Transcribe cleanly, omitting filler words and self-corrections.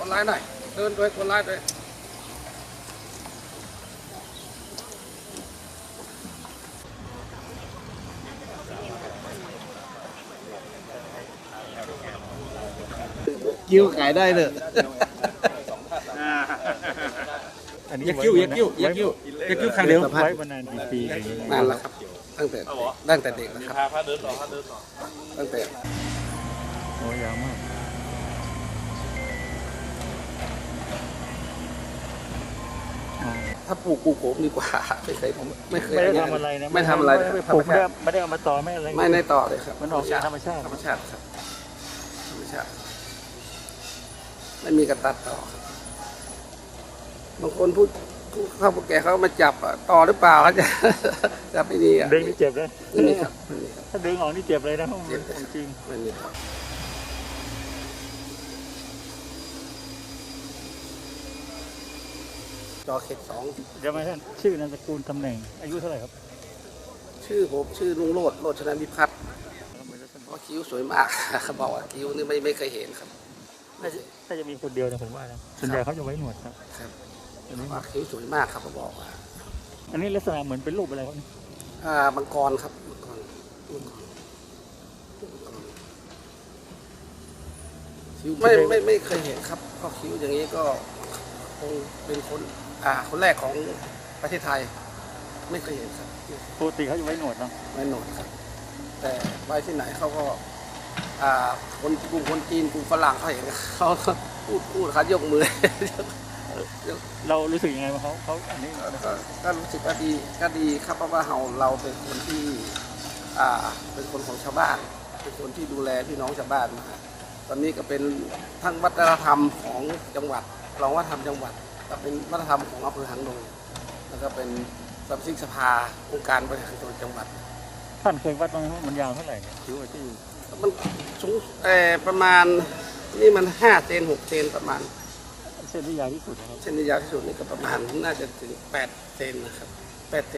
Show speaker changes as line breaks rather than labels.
ไลน์หน่อยเดินด้วยกดไลน์ด้วยกิ้วขายได้เลย
ยักกิ้วครั้งเดียวไว้มานานกี่ปี
นานแล้วครับตั้งแต่เด็กนะครับตั้งแต่
โอ้ยาวมาก
ถ้าปลูกผมดีกว่าไม่เคย
ไม่ได้ทำอะไรนะ
ไม่ทำอะไร
ปลูกไม่ได้เอามาต่อไม่อะไร
ไม่ได้ต่อเลยครับ
มันออกจากธรรมชาติ
ครับธรรมชาติไม่มีกระตัดต่อครับบางคนพูดเข้าพวกแกเขามาจับต่อหรือเปล่าเขาจะจับไม่ดี
ดึงนี่เจ็บเลย
นี่ครับ
ถ้าดึงออกนี่เจ็บเลยนะจริง
ไม่มีครับจอเขต2
จะมาท่านชื่อนามสกุลตำแหน่งอายุเท่าไหร่ครับ
ชื่อผมชื่อลุงโรจน์ชนะวิพัฒน์คิ้วสวยมากเขาบอกว่าคิ้วนี่ไม่เคยเห็นครับ
ถ้าจะมีคนเดียวนะผมว่านะส่วนใหญ่เขาจะไว้หนวดครับ
อันนี้คิ้วสวยมากครับเขาบอกว่า
อันนี้ลักษณะเหมือนเป็นรูปอะไรครับ
มังกรครับคิ้วไม่เคยเห็นครับก็คิ้วอย่างนี้ก็คงเป็นคนแรกของประเทศไทยไม่เคยเห็นครับ
ปกติเขาจะไว้หนวดเนาะ
ไว้หนวดครับแต่ไว้ที่ไหนเขาก็คนกลุ่มคนจีนกลุ่มฝรั่งเขาเห็นเขาพูดเขายกมือ
เรารู้สึกยังไงว่าเขาอันนี้
ก็รู้สึกว่าดีครับเพราะว่าเราเป็นคนที่เป็นคนของชาวบ้านเป็นคนที่ดูแลพี่น้องชาวบ้านมาตอนนี้ก็เป็นทั้งวัฒนธรรมของจังหวัดรองวัฒนธรรมจังหวัดก็เป็นวัฒนธรรมของอำเภอหางดงแล้วก็เป็นสมาชิกสภาองค์การบริหารส่วนจังหวัด
ท่านเคยวัดมันยาวเท่าไหร่เนี่ยคิ้วที่
มันสูงประมาณนี่มัน5 เซน 6 เซนประมาณ
เส้นที่ยาวที่สุดนะครับ
เส้นที่ยาวที่สุดนี่ก็ประมาณน่าจะถึง8 เซนนะครับ8 เซน